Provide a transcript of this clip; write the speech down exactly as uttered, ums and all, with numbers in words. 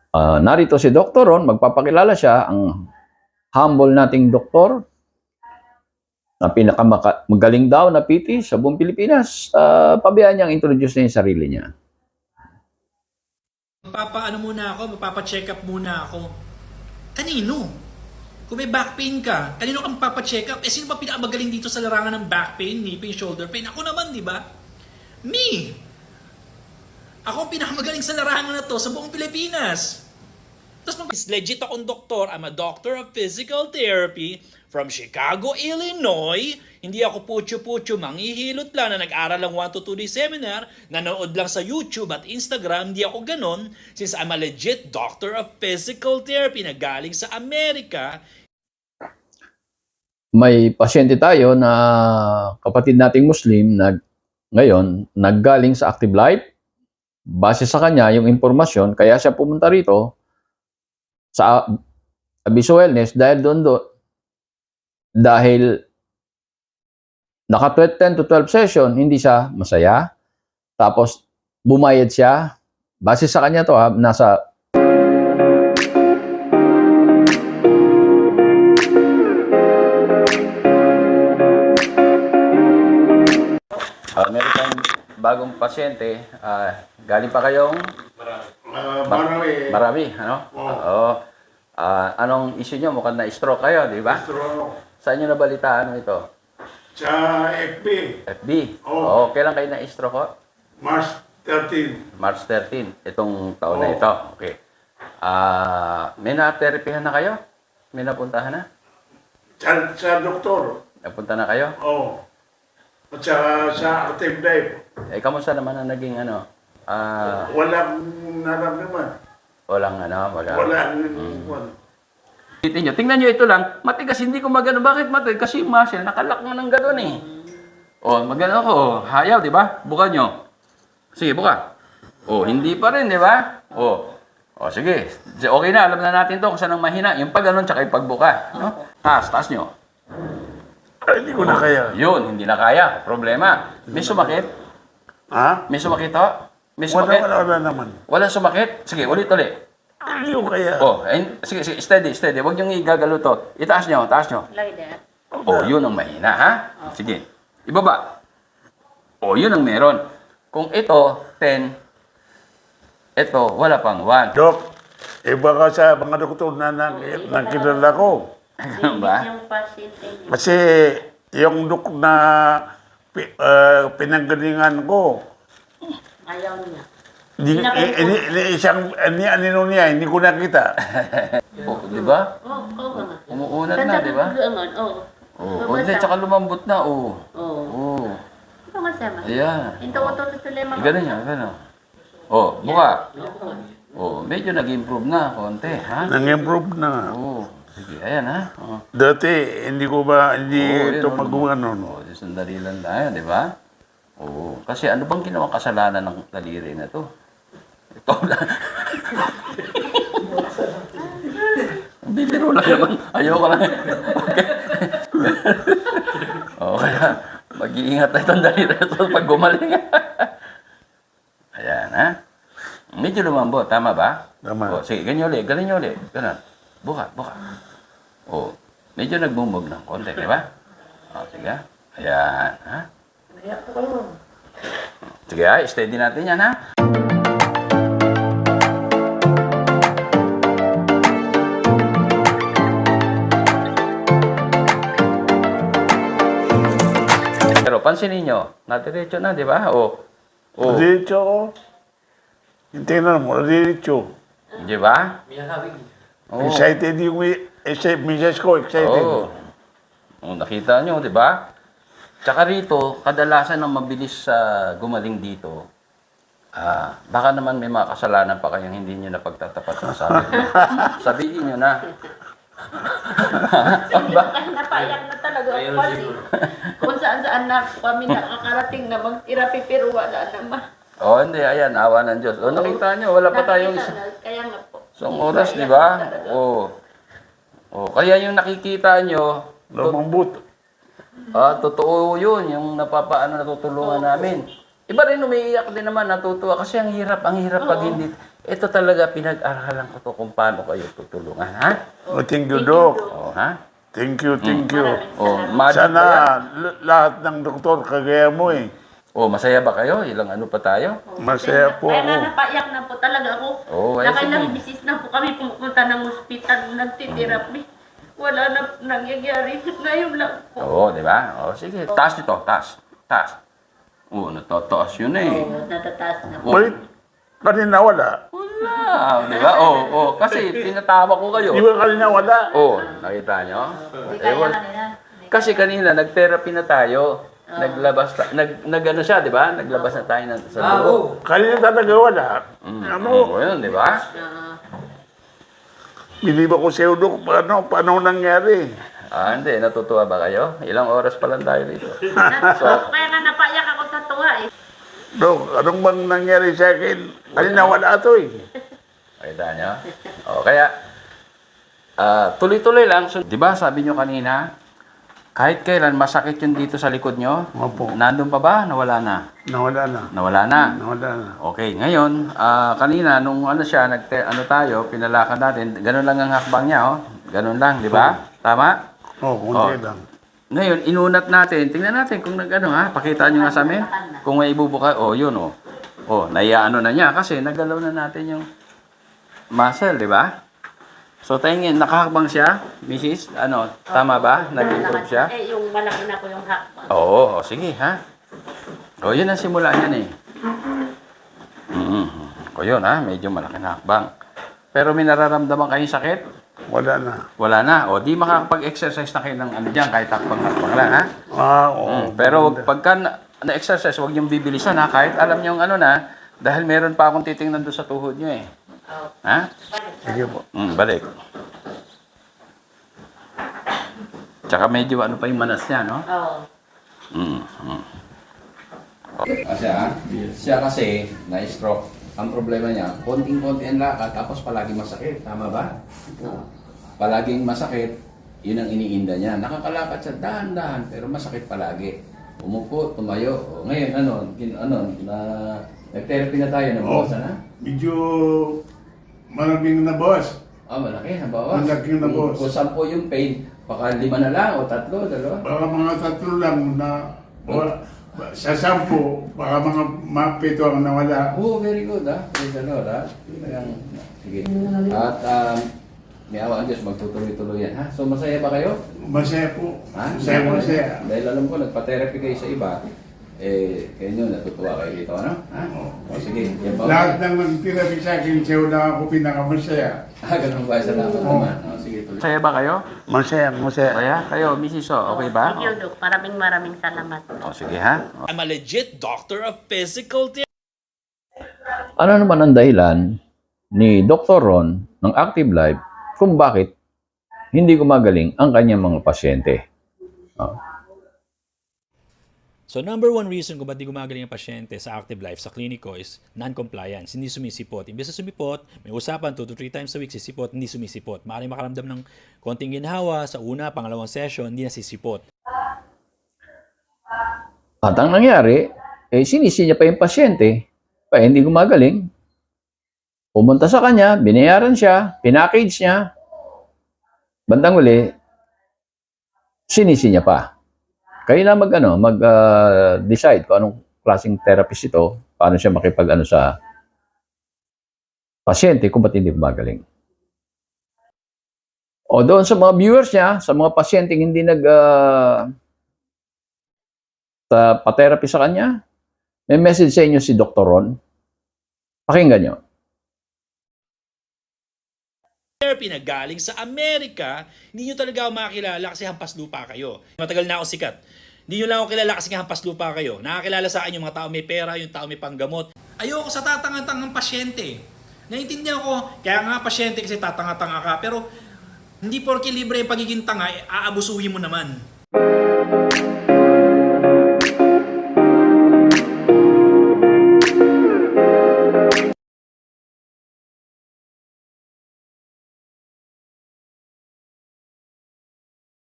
Uh, narito si Doktor Ron, magpapakilala siya, ang humble nating doktor na pinakamagaling daw na P T sa buong Pilipinas. Uh, pabayaan niyang introduce niya yung sarili niya. Magpapaano muna ako, magpapacheck up muna ako. Kanino? Kung may back pain ka, kanino ka magpapacheck up? Eh, sino ba pinakamagaling dito sa larangan ng back pain, knee pain, shoulder pain? Ako naman, di ba? Me! Ako ang pinakamagaling sa larangan na to sa buong Pilipinas. Tapos mag- legit akong doktor. I'm a doctor of physical therapy from Chicago, Illinois. Hindi ako putyo-putyo, manghihilot lang na nag-aral lang one to two day seminar, nanood lang sa YouTube at Instagram. Hindi ako ganon since I'm a legit doctor of physical therapy na galing sa Amerika. May pasyente tayo na kapatid nating Muslim na ngayon naggaling sa Active Life. Base sa kanya yung impormasyon, kaya siya pumunta rito sa Abiso Wellness dahil doon doon dahil naka ten to twelve session, hindi siya masaya. Tapos bumayad siya. Base sa kanya to ha, nasa uh, meron tayong bagong pasyente. Uh, galing pa kayong Uh, marami. Marami, ano? Oo. Oo. Ah, anong issue nyo? Mukhang na-stroke kayo, di ba? Stroke. Saan nyo nabalitaan ito? Sa F B, F B? Oo. Oo. Kailan kayo na-stroke ko? March thirteenth. March thirteenth, itong taon na Oo. ito. Okay. Ah, may na-therapyhan na kayo? May napuntahan na? Sa, sa doktor. Napunta na kayo? Oo. At saka sa Active Life. Eh, kamusta naman ang naging ano? Ah, Walang naramdaman. walang ano, wala. Walang Hmm. wala. Tingnan nyo, tingnan nyo ito lang. Matigas, hindi ko magano. Bakit matigas? Kasi yung muscle, nakalak nga ng gano'n eh. O, magano ako. Oh, hayaw, di ba? Buka nyo. Sige, buka. O, hindi pa rin, di ba? O, o sige. Okay na, alam na natin to kung saan ang mahina. Yung pag ganun, tsaka yung pagbuka. No? Taas, taas nyo. Ay, hindi ko na kaya. Yun, hindi na kaya. Problema. May sumakit? Ha? May sumakit to? May Wala, sumakit? wala, wala naman. Walang sumakit? Sige, ulit, ulit. Hindi ko kaya. Oh, and, sige, sige, steady, steady. Huwag niyong igagalo to. Itaas nyo, taas nyo. Like that. Oh, yun ang mahina, ha? Sige. Ibaba. Oh, yun ang meron. Kung ito, ten, ito, wala pang one. Dok, iba ka sa mga doktor na nang, nakilala ko. Ganun ba? Yung pasyente niya. Kasi yung dok na pi, uh, pinanggalingan ko, Ayaw niya. Di, eh, eh, eh, isang, ni anino niya, hindi ko nakita. Oh, di ba? Oo, oo nga. Umuunat na, di ba? Oo. Oh, oh, hindi, tsaka lumambot na, oh. Oo. Oh, Ito masama. ayan. Ito ko to tuloy mga. Ganun yan, ganun. Oh, buka. Oh, medyo nag-improve na, konti, ha? Nang-improve na. Oh, sige, ayan, ha? Oh. Dati, hindi ko ba, hindi Oo, ito yun, magawa oh, nun. oh, sandali lang tayo, di ba? Oo. Kasi ano bang ginawang kasalanan ng daliri na to? Ito lang. Bibiro lang naman. Ayoko lang. Okay. Oo, kaya mag-iingat tayo ng daliri na to pag gumaling. Ayan, ha? Medyo lumambot, tama ba? Tama. O, sige, ganyan ulit, ganyan ulit. Ganun. Buka, buka. O, medyo nagbumog ng konti, di ba? O, sige. Ayan, ha? Sige, ha? Steady natin yan, ha? Pero pansinin nyo, nadiretso na, di ba? O, o, Diretso ko. Tingnan mo, diretso. di ba? Oo. Excited yung excited, misis ko, excited. Oo. Oh, nakita nyo, di ba? Tsaka rito, kadalasan ang mabilis sa gumaling dito, ah, baka naman may mga kasalanan pa kayong hindi nyo napagtatapat sa sabi nyo. Sabihin nyo na. Napaiyak na talaga ako kasi kung saan saan na kami nakakarating na mag-therapy pero wala naman. O, oh, hindi, ayan, awa ng Diyos. O, nakita nyo, wala pa tayong Nakita na, Kaya nga po. isang oras, di ba? O, o, kaya yung nakikita nyo, Lumambot. ah, totoo yun, yung napapaano natutulungan namin. Iba rin umiiyak din naman, natutuwa. Kasi ang hirap, ang hirap pag Oo. hindi. Ito talaga, pinag-aralan ko to kung paano kayo tutulungan, ha? Oh, thank you, Dok. O, ha? Thank you, thank you. Maraming O, salamat. magic Sana ba yan? l- lahat ng doktor kagaya mo eh. O, masaya ba kayo? Ilang ano pa tayo? Masaya po Kaya nga ako. napaiyak na po talaga ako. Oo, ay, Nakailang sige. bisis na po kami pumunta ng ospital, nagtitherapy. Wala na nangyayari. Ngayon lang po. Oo, di ba? O, sige. Taas nito, taas. Taas. Oo, natataas yun eh. Oo, natataas na po. Wait, kanina wala. Wala, di ba? Oo, oh, kasi tinatawa ko kayo. Di ba kanina wala? Oo, nakita nyo? Hindi kaya Ewan. kanina. Kasi kanina, nag-therapy na tayo. Naglabas, ta- nag, nag ano siya, di ba? Naglabas na tayo ng, sa loob. Kanina talaga wala. Mm, Ano? Oo, yun, di ba? Ah, Biniba ko sa'yo, Dok. Paano, paano nangyari? Ah, hindi. Natutuwa ba kayo? Ilang oras pa lang tayo dito. nat- kaya nga napaiyak ako sa tuwa eh. Dok, anong bang nangyari sa akin? Kanina wala to eh. Nakita nyo? O, kaya, ah, tuloy-tuloy lang. So, di ba, sabi nyo kanina, kahit kailan masakit yun dito sa likod nyo, Opo. nandun pa ba? Nawala na. Nawala na. Nawala na. Nawala na. Okay, ngayon, ah, kanina, nung ano siya, nag ano tayo, pinalakan natin, ganun lang ang hakbang niya, oh. Ganun lang, di ba? Tama? Oh, kunti Oh. lang. Ngayon, inunat natin. Tingnan natin kung nag ano ha. Pakita nyo nga sa amin. Kung may ibubuka. Oh, yun oh. Oh, naiyaano na niya kasi nagalaw na natin yung muscle, di ba? So, tingin, nakahakbang siya, missus Ano, tama ba? Nag-improve siya? Eh, yung malaki na ko yung hakbang. Oo, oh, sige ha. O, yun ang simula niyan eh. Mm-hmm. O yun ha, medyo malaki na hakbang. Pero may nararamdaman kayong sakit? Wala na. Wala na. O, di makakapag-exercise na kayo ng ano dyan, kahit hakbang-hakbang lang ha. Ah, oo. Mm, pero wag, pagka na- na-exercise, huwag niyong bibilisan ha, kahit alam niyo yung ano na, dahil meron pa akong titingnan doon sa tuhod niyo eh. Oh, Ha? Sige po. Mm, balik. Tsaka medyo ano pa yung manas niya, no? oh. Mm, mm. Kasi ah, siya kasi na-stroke. Ang problema niya, konting-konti ang lakad, tapos palagi masakit. Tama ba? Palaging masakit, yun ang iniinda niya. Nakakalakad siya dahan-dahan, pero masakit palagi. Umupo, tumayo. O, ngayon, ano, kin, ano, na, nag-therapy na tayo, nabawasan na? Medyo maraming nabawas. Ah, malaki, nabawas. Malaki yung nabawas. Kung, kung sampo yung pain, baka lima na lang, o tatlo, dalawa. Baka mga tatlo lang na wala. Sa sampu, baka mga mapito ang nawala. Oh, very good, ah. Praise the Lord, ah. Kayang, sige. At, um, may awa ang Diyos, magtutuloy-tuloy yan, ha? So, masaya ba kayo? Masaya po. Ha? Masaya, masaya. Dahil alam ko, nagpa-therapy kayo sa iba, eh, kayo nyo, natutuwa kayo dito, ano? Ha? O, sige. Yan ba? Lahat ng nagtirabi sa akin, siya na ako pinakamasaya. Ah, ganun ba? Salamat naman. O, sige, tuloy. Masaya ba kayo? Masaya, masaya. Masaya? Kayo, missus O, okay ba? Thank you, Doc. Maraming maraming salamat. O, sige, ha? I'm a legit doctor of physical therapy. Ano naman ang dahilan ni Doctor Ron ng Active Life kung bakit hindi gumagaling ang kanyang mga pasyente? Oh. So number one reason kung ba't di gumagaling ang pasyente sa active life sa kliniko is non-compliance, hindi sumisipot. Imbes na sumipot, may usapan two to three times a week sisipot, hindi sumisipot. Maaaring makaramdam ng konting ginhawa sa una, pangalawang session, hindi na sisipot. At ang nangyari, eh, sinisi niya pa yung pasyente, pa hindi gumagaling. Pumunta sa kanya, binayaran siya, pinackage niya. Bandang uli, sinisi niya pa. Kayo na mag, ano, mag, uh, decide kung anong klaseng therapist ito, paano siya makipag, ano, sa pasyente kung ba't hindi gumagaling. O doon sa mga viewers niya, sa mga pasyente hindi nag, uh, sa pa-therapy sa kanya, may message sa inyo si Doctor Ron. Pakinggan nyo. Therapy na galing sa Amerika, hindi nyo talaga ako makakilala kasi hampas lupa kayo. Matagal na ako sikat. Hindi nyo lang ako kilala kasi hampas lupa kayo. Nakakilala sa akin yung mga tao may pera, yung tao may panggamot. Ayoko sa tatangatangang pasyente. Naiintindihan ko, kaya nga pasyente kasi tatanga-tanga ka, pero hindi porke libre yung pagiging tanga, eh, aabusuhin mo naman.